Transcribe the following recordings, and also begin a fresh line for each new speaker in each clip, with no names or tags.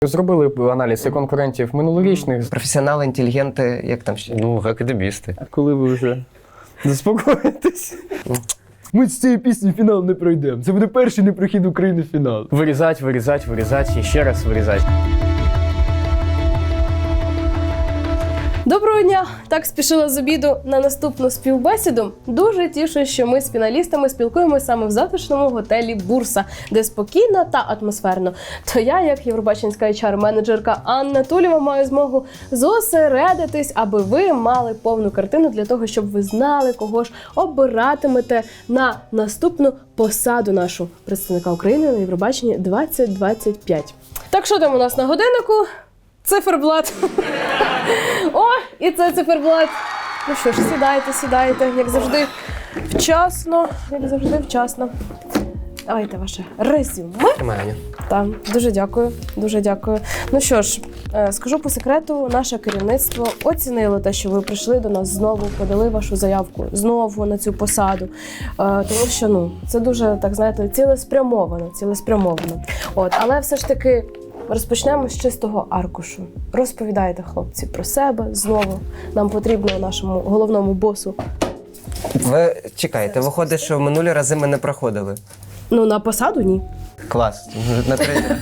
Зробили б аналіз і конкурентів минулорічних.
Професіонали, інтелігенти, як там ще?
Ну, академісти.
Коли ви вже заспокоїтесь? Ми з цієї пісні фінал не пройдемо. Це буде перший непрохід України в фінал. Вирізать, вирізать, вирізать і ще раз вирізать.
Доброго дня! Так спішила з обіду на наступну співбесіду. Дуже тішу, що ми з фіналістами спілкуємося саме в затишному готелі «Бурса», де спокійно та атмосферно. То я, як євробаченська HR-менеджерка Анна Тулєва, маю змогу зосередитись, аби ви мали повну картину для того, щоб ви знали, кого ж обиратимете на наступну посаду нашу представника України на Євробаченні 2025. Так, що там у нас на годиннику? Циферблат. О, і це циферблат. Ну що ж, сідайте, як завжди вчасно. Давайте ваше резюме.
Тримаю.
Так, дуже дякую. Ну що ж, скажу по секрету, наше керівництво оцінило те, що ви прийшли до нас знову, подали вашу заявку знову на цю посаду. Тому що, це дуже, так знаєте, цілеспрямовано. От, але все ж таки розпочнемо з чистого аркушу. Розповідайте, хлопці, про себе знову. Нам потрібно нашому головному босу.
Ви чекайте, виходить, що в минулі рази ми не проходили.
Ну, на посаду ні.
Клас. На третій.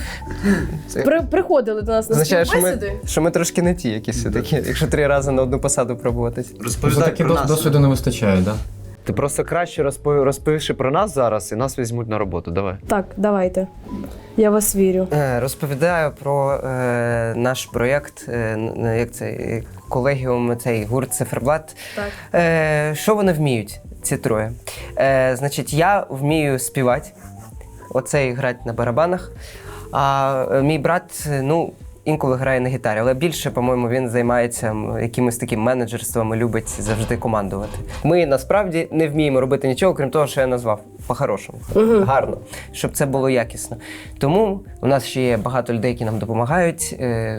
Приходили до нас на
Означає,
співбесіди.
що ми трошки не ті якісь все-таки, якщо 3 рази на одну посаду пробуватись.
Розповідай про нас.
Досвіду не вистачає, так? Да?
Ти просто краще розповіши про нас зараз і нас візьмуть на роботу. Давай.
Так, давайте. Я вас вірю.
Розповідаю про наш проєкт, як це, колегіум, цей гурт «Циферблат».
Так.
Що вони вміють, ці троє? Значить, я вмію співати, оцей грати на барабанах, а мій брат, інколи грає на гітарі, але більше, по-моєму, він займається якимось таким менеджерством і любить завжди командувати. Ми, насправді, не вміємо робити нічого, крім того, що я назвав. По-хорошому. Гарно. Щоб це було якісно. Тому у нас ще є багато людей, які нам допомагають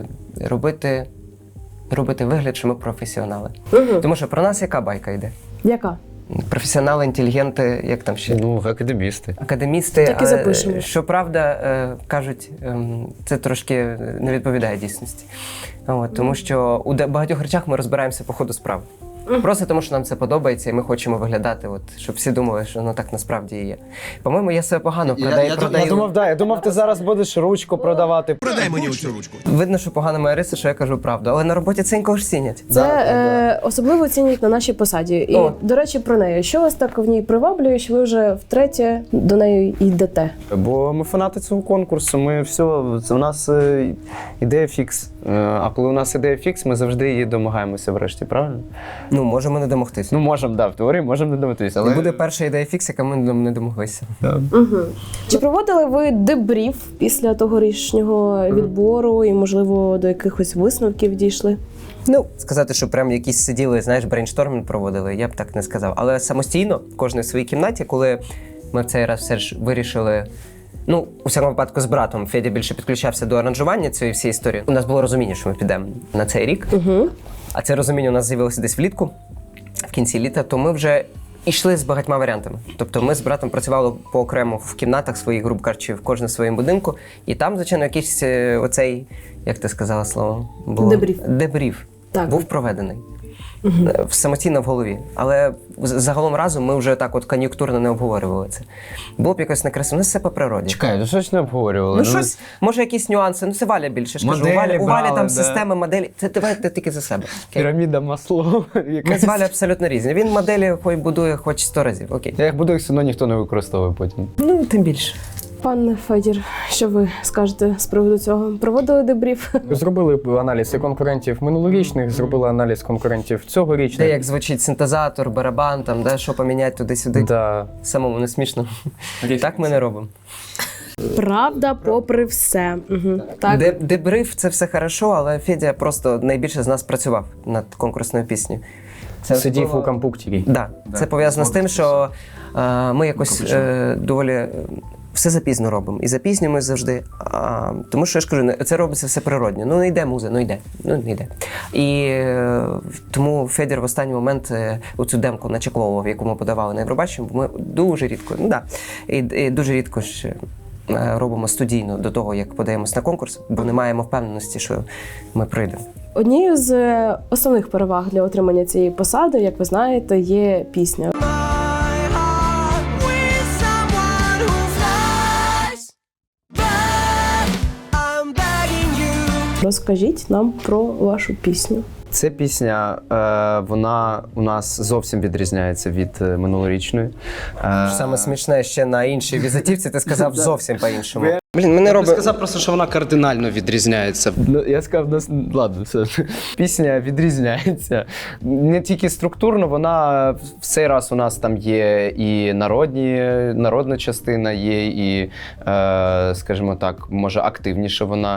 робити вигляд, що ми професіонали. Тому що про нас яка байка йде?
Яка?
Професіонали, інтелігенти, як там ще?
Ну, академісти.
Академісти.
Так і запишемо.
Щоправда, кажуть, це трошки не відповідає дійсності. Тому що у багатьох речах ми розбираємося по ходу справи. Просто тому, що нам це подобається, і ми хочемо виглядати, щоб всі думали, що воно так насправді і є. По-моєму, я себе погано продаю.
Я думав, ти зараз будеш ручку продавати.
Продай мені оцю ручку.
Видно, що погана моя риса, що я кажу правду. Але на роботі це інкого ж цінять.
Це особливо цінять на нашій посаді. І, до речі, про неї. Що вас так в ній приваблює, що ви вже втретє до неї йдете?
Бо ми фанати цього конкурсу, у нас ідея фікс. А коли у нас ідея фікс, ми завжди її домагаємося врешті, правильно?
Можемо не домогтися.
Можемо, в теорії можемо не домогтися.
Але буде перша ідея фікс, яка ми не домоглися.
Чи проводили ви дебріф після тогорічнього відбору і, можливо, до якихось висновків дійшли?
Сказати, що прям якісь сиділи, брейнштормінг проводили, я б так не сказав. Але самостійно, кожен в своїй кімнаті, коли ми в цей раз все ж вирішили, у всякому випадку з братом, Федя більше підключався до аранжування цієї всієї історії. У нас було розуміння, що ми підемо на цей рік. А це розуміння у нас з'явилося десь влітку, в кінці літа, то ми вже йшли з багатьма варіантами. Тобто ми з братом працювали поокремо в кімнатах своїх, грубо кажучи, в кожному своєму будинку. І там, звичайно, якийсь оцей, як ти сказала слово? Дебріф. Був проведений. Самостійно в голові. Але загалом разом ми вже так кон'юнктурно не обговорювали це. Було б якось некрасиво. У нас все по природі.
Чекай, що ж не обговорювали?
Щось, може якісь нюанси. Це Валя більше. У Валі там системи, моделі. Це давайте тільки за себе.
Піраміда Маслоу.
Ми з Валі абсолютно різні. Він моделі хоч будує хоч 100 разів. Окей.
Я їх буду, все одно ніхто не використовує потім.
Тим більше.
Пане Федір, що ви скажете з приводу цього? Проводили дебріф?
Зробили б аналіз і конкурентів минулорічних, зробили аналіз конкурентів цьогорічних.
Де як звучить синтезатор, барабан, що поміняти туди-сюди.
Да.
Самому не смішно. Так ми не робимо.
Правда, попри все. Так.
Дебриф – це все хорошо, але Федя просто найбільше з нас працював над конкурсною піснею.
Сидів у компуктері.
Так. Це пов'язано з тим, що ми якось доволі все запізно робимо. І запізнюємось завжди. Тому що, я ж кажу, це робиться все природньо. Не йде муза, не йде. І тому Федір в останній момент оцю демку начекловував, яку ми подавали на Євробачення, бо ми дуже рідко, і дуже рідко ж робимо студійно до того, як подаємось на конкурс, бо не маємо впевненості, що ми пройдемо.
Однією з основних переваг для отримання цієї посади, як ви знаєте, є пісня. Розкажіть нам про вашу пісню.
Ця пісня, вона у нас зовсім відрізняється від минулорічної.
Саме смішне, ще на іншій візитівці ти сказав зовсім по-іншому. Блін, мене
Я
робить...
сказав просто, що вона кардинально відрізняється.
Ну, я сказав, ладно, все. Пісня відрізняється. Не тільки структурно, вона в цей раз у нас там є і народна частина, є і, скажімо так, може активніше вона.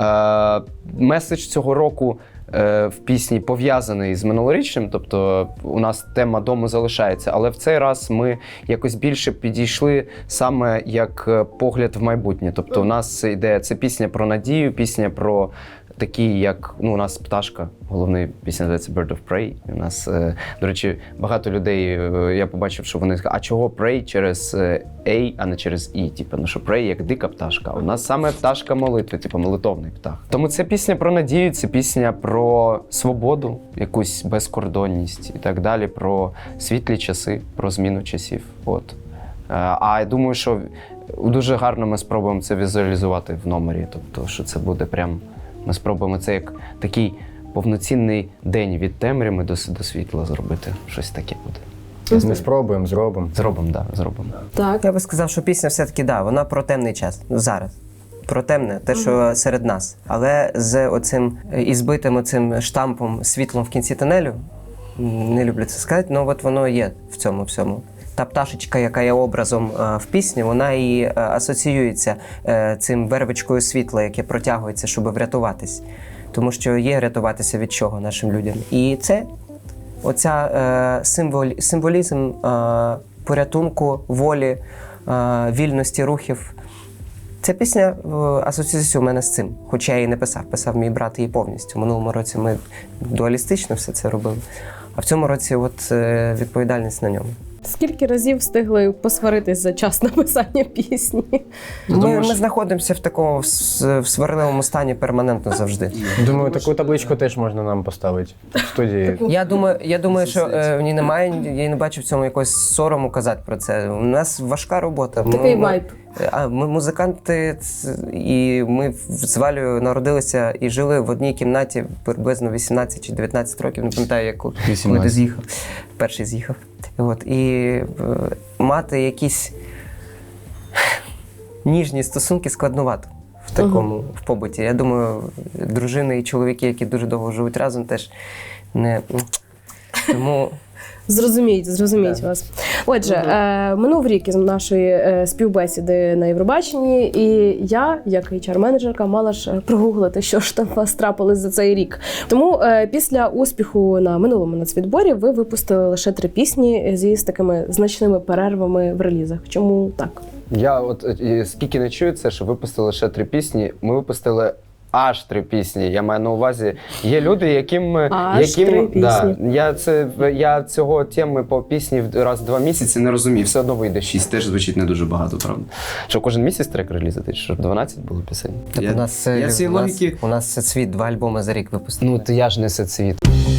Меседж цього року в пісні пов'язаний з минулорічним, тобто у нас тема дому залишається, але в цей раз ми якось більше підійшли саме як погляд в майбутнє. Тобто у нас йде це пісня про надію, пісня про такі, як у нас пташка, головний пісня називається Bird of Prey. У нас, до речі, багато людей, я побачив, що вони сказали, а чого Prey через A, а не через E? Типу, що Prey як дика пташка. У нас саме пташка молитви, типу молитовний птах. Тому це пісня про надію, це пісня про свободу, якусь безкордонність і так далі, про світлі часи, про зміну часів. От. А я думаю, що дуже гарно ми спробуємо це візуалізувати в номері, тобто, що це буде прям. Ми спробуємо це як такий повноцінний день від темряви до світла зробити. Щось таке буде. Ми спробуємо, зробимо.
Зробимо.
Так.
Я би сказав, що пісня все-таки, вона про темний час. Зараз. Про темне, те, що серед нас. Але з оцим ізбитим оцим штампом світлом в кінці тунелю, не люблю це сказати, але от воно є в цьому всьому. Та пташечка, яка є образом в пісні, вона і асоціюється цим вервичкою світла, яке протягується, щоб врятуватись. Тому що є рятуватися від чого нашим людям. І це оця символізм порятунку, волі, вільності рухів. Ця пісня асоціюється у мене з цим, хоча я її не писав. Писав мій брат її повністю. Минулому році ми дуалістично все це робили. А в цьому році відповідальність на ньому.
Скільки разів встигли посваритись за час написання пісні?
Ми знаходимося в такому в сварливому стані перманентно завжди.
Думаю, таку табличку теж можна нам поставити в студії.
Я думаю, що в ній немає, я не бачу в цьому якогось сорому казати про це. У нас важка робота.
Такий вайб.
Ми музиканти, і ми з Валею народилися і жили в одній кімнаті приблизно 18 чи 19 років, не пам'ятаю, коли ти з'їхав. Перший з'їхав. І мати якісь ніжні стосунки складновато в такому в побуті. Я думаю, дружини і чоловіки, які дуже довго живуть разом, теж не... Тому...
Зрозуміють вас. Отже, минув рік із нашої співбесіди на Євробаченні, і я, як HR-менеджерка, мала ж прогуглити, що ж там у вас трапилось за цей рік. Тому після успіху на минулому нацвідборі ви випустили лише 3 пісні з такими значними перервами в релізах. Чому так?
Я скільки не чую це, що випустили лише 3 пісні, ми випустили аж 3 пісні. Я маю на увазі, є люди, яким
3 пісні.
Я цього теми по пісні раз в 2 місяці не розумію. Все одно вийде 6, теж звучить не дуже багато, правда. Що кожен місяць трек релізати, щоб 12 було пісень.
У нас це світ, 2 альбоми за рік випустили.
Ну, то я ж не цвіт.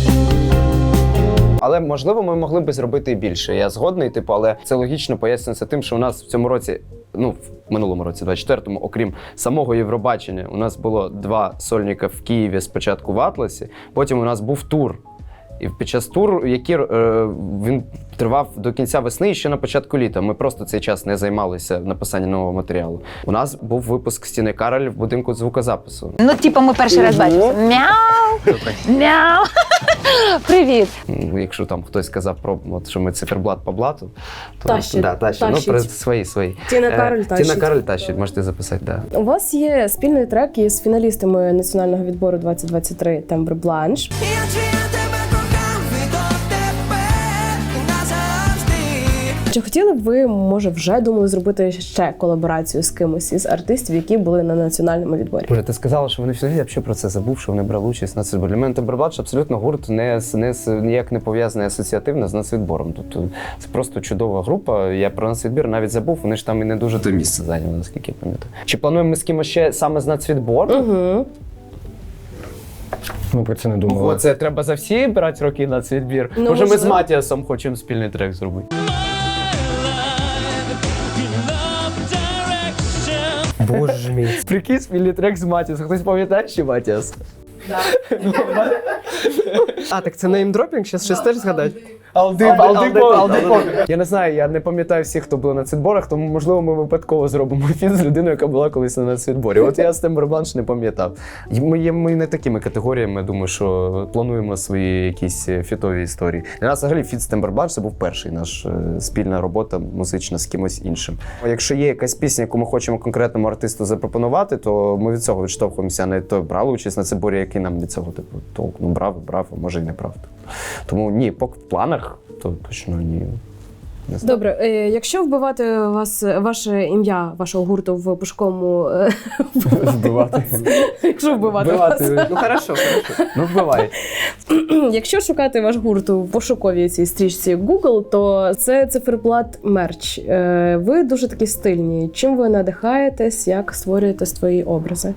Але, можливо, ми могли б зробити і більше. Я згодний, але це логічно пояснюється тим, що у нас в цьому році, в минулому році, 24-му, окрім самого Євробачення, у нас було 2 сольника в Києві спочатку в Атласі, потім у нас був тур. І під час туру, він тривав до кінця весни і ще на початку літа. Ми просто цей час не займалися написанням нового матеріалу. У нас був випуск Стіни Кароль в будинку звукозапису.
Ми перший раз бачимося. Мяу! Мяу! Привіт!
Якщо там хтось сказав що ми циферблат по блату, то
Тащить.
Свої.
Тіна Кароль тащить.
Тіна Кароль тащить, можете записати, так.
У вас є спільний трек із фіналістами національного відбору 2023 «Тембр Бланш». Чи хотіли б ви, може, вже думали зробити ще колаборацію з кимось із артистів, які були на національному відборі?
Боже, ти сказала, що вони всі, я взагалі про це забув, що вони брали участь на нацвідборі. Для мене Тембербладж абсолютно гурт ніяк не пов'язаний асоціативно з нацвідбором. Тобто це просто чудова група. Я про нацвідбір навіть забув, вони ж там і не дуже те місце зайняли, наскільки я пам'ятаю. Чи плануємо ми з кимось ще саме з нацвідбору?
Угу.
Ми про це не думали.
Ого, це треба за всі брати роки на цвітбір.
Ну,
Може, ми з
можливо.
Матіасом хочемо спільний трек зробити.
Боже мій.
Прикинь, спільний трек з Матіасом. Хтось пам'ятає ще Матіас?
А, так це неймдропінг? Щас теж згадати?
Алди. Я не знаю, я не пам'ятаю всіх, хто були на цвітборах, тому, можливо, ми випадково зробимо фіт з людиною, яка була колись на цвітборі. От я з Тембербладж не пам'ятав. Ми не такими категоріями, думаю, що плануємо свої якісь фітові історії. Для нас взагалі фіт з Тембербладж це був перший наш спільна робота музична з кимось іншим. Якщо є якась пісня, яку ми хочемо конкретному артисту запропонувати, то ми від цього відштовхуємося. Не то брали участь на цвітборі, який нам від цього типу толк. Ну брав, а може й не брав. Тому ні, поки в планах, то точно ні. Не знаю.
Добре, якщо вбивати ваше ім'я вашого гурту в пошуковому...
Вбивати.
Якщо вбивати вас.
Ну, хорошо.
Ну, вбивай.
Якщо шукати ваш гурт у пошуковій цій стрічці Google, то це циферблат мерч. Ви дуже такі стильні. Чим ви надихаєтесь, як створюєте свої образи?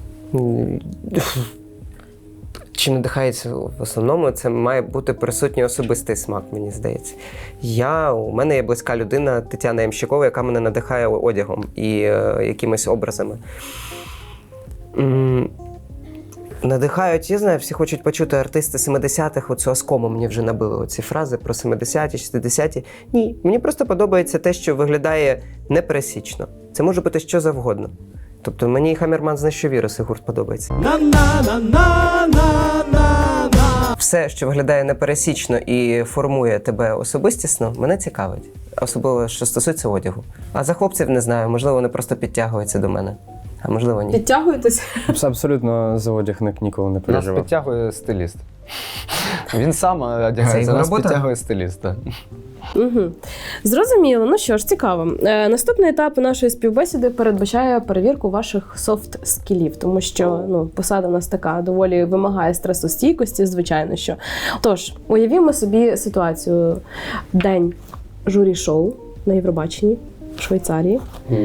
Чи надихається в основному, це має бути присутній особистий смак, мені здається. У мене є близька людина Тетяна Ямщикова, яка мене надихає одягом і якимись образами. Надихають, я знаю, всі хочуть почути артисти 70-х, оцю оскому мені вже набили оці фрази про 70-ті, 60-ті. Ні, мені просто подобається те, що виглядає непересічно. Це може бути що завгодно. Тобто мені Хаммерман знищив віруси гурт подобається. Все, що виглядає непересічно і формує тебе особистісно, мене цікавить. Особливо, що стосується одягу. А за хлопців не знаю, можливо, вони просто підтягуються до мене. А можливо, ні.
Підтягуєтесь?
Абсолютно за одяг ніколи не
Нас
переживав.
підтягує стиліст. Він сам одягається,
його
нас
робота?
підтягує стиліст. Так.
Угу. Зрозуміло. Ну що ж, цікаво. Наступний етап нашої співбесіди передбачає перевірку ваших софт-скілів, тому що посада в нас така доволі вимагає стресостійкості, звичайно що. Тож, уявімо собі ситуацію. День журі-шоу на Євробаченні в Швейцарії.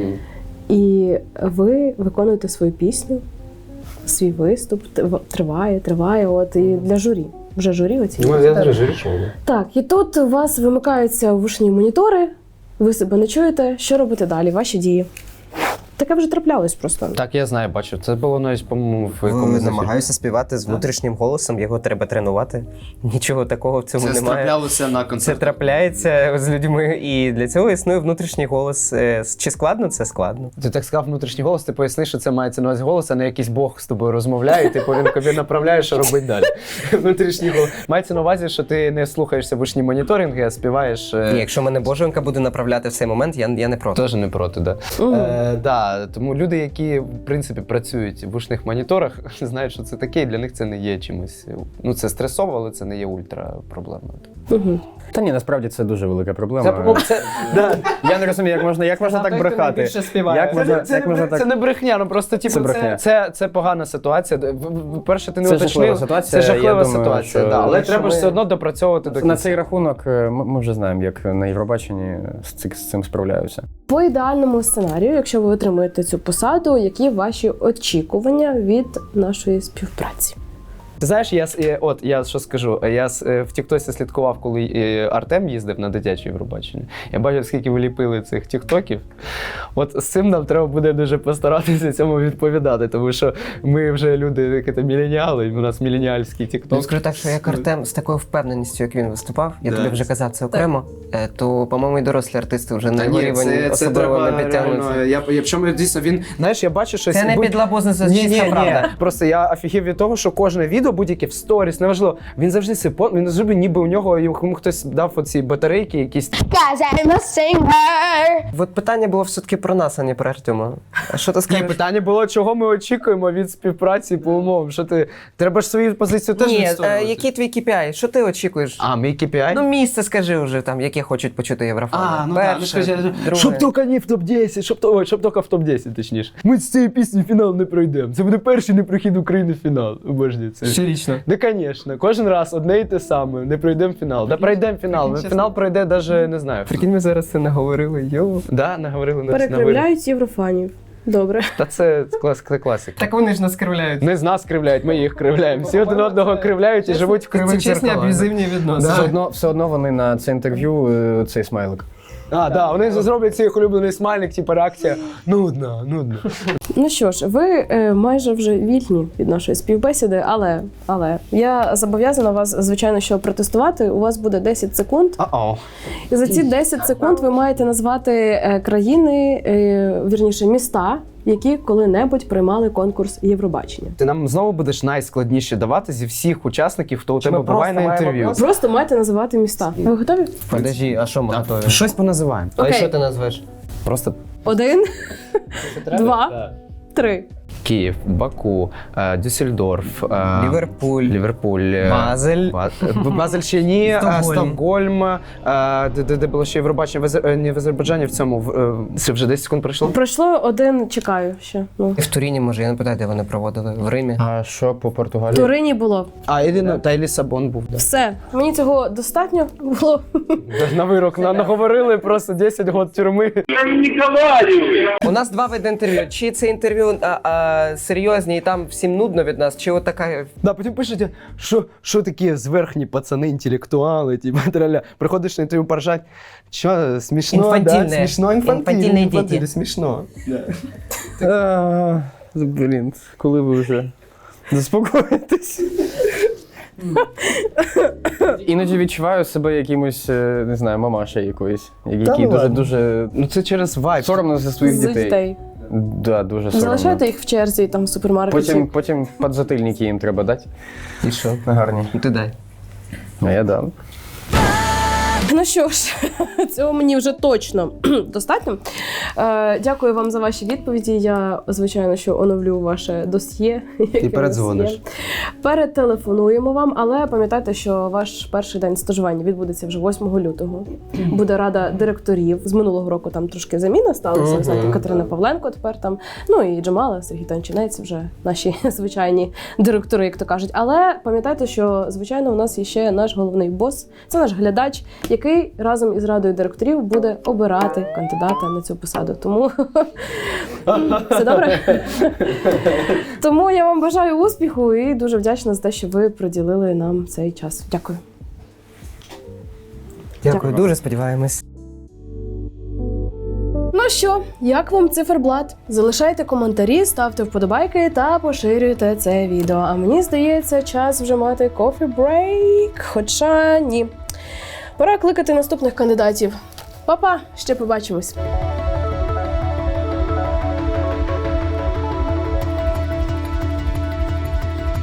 І ви виконуєте свою пісню, свій виступ, триває, от, і для журі. Вже журі оцінює. Так, і тут у вас вимикаються вушні монітори, ви себе не чуєте, що робити далі, ваші дії. Таке вже траплялось просто.
Так, я знаю, бачу. Це було навіть, по-моєму, в якомусь
Намагаюся співати з внутрішнім голосом, його треба тренувати. Нічого такого в цьому
Це
немає.
траплялося на
Це
концерті.
трапляється з людьми, і для цього існує внутрішній голос. Чи складно? Це складно.
Ти так сказав внутрішній голос, ти поясни, що це мається на увазі голос, а не якийсь Бог з тобою розмовляє, і типу він тобі направляє, що робити далі. Внутрішній голос. Мається на увазі, що ти не слухаєшся вушні моніторинги, а співаєш.
Ні, якщо мене Боженька буде направляти в цей момент, я не проти.
Теж не проти, да. Да. Тому люди, які в принципі працюють в вушних моніторах, знають, що це таке, і для них це не є чимось. Ну це стресово, але це не є ультра проблемою.
Угу.
Та ні, насправді це дуже велика проблема. Я не розумію, як можна так брехати. Як можна так?
Це не брехня, ну просто типу,
Це брехня.
це погана ситуація. Перше, ти не
Це
уточнив.
жахлива ситуація,
Це жахлива
я думаю,
ситуація,
що
да. Але
якщо
треба ж
ми-
все одно допрацьовувати до
На
кінця.
цей рахунок ми вже знаємо, як на Євробаченні з цим справляються.
По ідеальному сценарію, якщо ви отримуєте цю посаду, які ваші очікування від нашої співпраці?
Ти знаєш, я що скажу, я в Тіктосі слідкував, коли Артем їздив на дитяче Євробачення. Я бачив, скільки ви ліпили цих тіктоків. От з цим нам треба буде дуже постаратися цьому відповідати, тому що ми вже люди, які міленіали, у нас міленіальський
Ну,
тікток.
скажу так, що як Артем з такою впевненістю, як він виступав, я тобі вже казав це окремо, то, по-моєму, і дорослі артисти вже на його рівень особливо не підтягнуться.
Причому дійсно він, знаєш, я бачу, що
Це не підлабузниця, це чиста правда.
Просто я офігів від того, що кожне відео відео будь-яке в сторіс, неважливо. Він завжди він завжди ніби у нього йому хтось дав оці батарейки якісь.
От питання було все-таки про нас, а не про Артема. А що ти
Ні,
скажеш?
питання було, чого ми очікуємо від співпраці по умовам. Що ти треба ж свою позицію теж
Ні,
відстоювати.
який твій KPI? Що ти очікуєш?
А, мій KPI?
Ну, місце скажи вже там, яке хочуть почути єврофани. Перше, друге.
Щоб тільки не в топ-10, щоб тільки в топ-10, точніше. Ми з цієї пісні в фінал не пройдемо. Це буде перший непрохід України в фінал. Обожнюю це.
Щорічно.
Да, звісно. Кожен раз одне і те саме. Не пройдемо фінал. Да пройдемо фінал. Фінал пройде навіть, не знаю.
Прикинь, ми зараз це наговорили, йо.
Да, наговорили на
Перекривляють єврофанів. Добре.
Та це класика.
Так вони ж нас кривляють.
Не з нас кривляють, ми їх кривляємо. Всі один одного кривляють і живуть в кривих
Чесні
зеркалах.
аб'юзивні відносини.
Все одно вони на це інтерв'ю цей смайлик.
Вони зроблять свій улюблений смайлик, типу реакція. Нудно.
Ну що ж, ви майже вже вільні від нашої співбесіди, але я зобов'язана вас, звичайно, що протестувати. У вас буде 10 секунд. І за ці 10 секунд ви маєте назвати країни, вірніше, міста, які коли-небудь приймали конкурс Євробачення.
Ти нам знову будеш найскладніше давати зі всіх учасників, хто у тебе буває на інтерв'ю.
Просто маєте називати міста. Ви готові?
Подожди, а що ми готові?
Щось поназиваємо.
А
Окей.
що ти назвеш?
Просто
1, 2, 3.
Київ, Баку, Дюссельдорф,
Ліверпуль. Базель.
Базель ще ні,
Стокгольм.
Стокгольм, де було ще Євробачення, не в Азербайджані, в цьому, це вже 10 секунд пройшло.
Пройшло 1, чекаю ще. Ну.
В Туріні, може, я не питаю, де вони проводили. В Римі.
А що по
В
Португалії?
Турині було.
Та Лісабон був. Да.
Все. Мені цього достатньо було.
На вирок наговорили просто 10 років тюрми.
У нас 2 види інтерв'ю. Чи це інтерв'ю серйозні і там всім нудно від нас, чи от така...
Да, потім пишете, що такі зверхні пацани, інтелектуали, типу, траля. Приходиш на інтерв'ю поржать, що, смішно,
Інфантильне.
да? Смішно,
Інфантильні діти.
Смішно.
Блін, коли ви вже заспокоїтесь? Іноді відчуваю себе якимось, не знаю, мамашею якоюсь, який дуже
Ну це через вайб.
соромно за своїх
З
дітей.
дітей.
Да, дуже соромно.
Залишайте їх в черзі там в супермаркеті.
Потім підзатильники їм треба дати.
І що?
Гарні.
Ти дай.
А я дам.
Ну що ж, цього мені вже точно достатньо. Дякую вам за ваші відповіді. Я, звичайно, що оновлю ваше досьє.
І передзвониш.
Перетелефонуємо вам, але пам'ятайте, що ваш перший день стажування відбудеться вже 8 лютого. Буде рада директорів. З минулого року там трошки заміна сталася. Ви знаєте, Катерина Павленко тепер там. Ну і Джамала, Сергій Тончинець, вже наші звичайні директори, як то кажуть. Але пам'ятайте, що, звичайно, у нас є ще наш головний бос. Це наш глядач, який разом із радою директорів буде обирати кандидата на цю посаду. Тому все добре? Тому я вам бажаю успіху і дуже вдячна за те, що ви приділили нам цей час. Дякую.
Дякую, дуже сподіваємось.
Ну що, як вам циферблат? Залишайте коментарі, ставте вподобайки та поширюйте це відео. А мені здається, час вже мати coffee break, хоча ні. Пора кликати наступних кандидатів. Па-па, ще побачимось.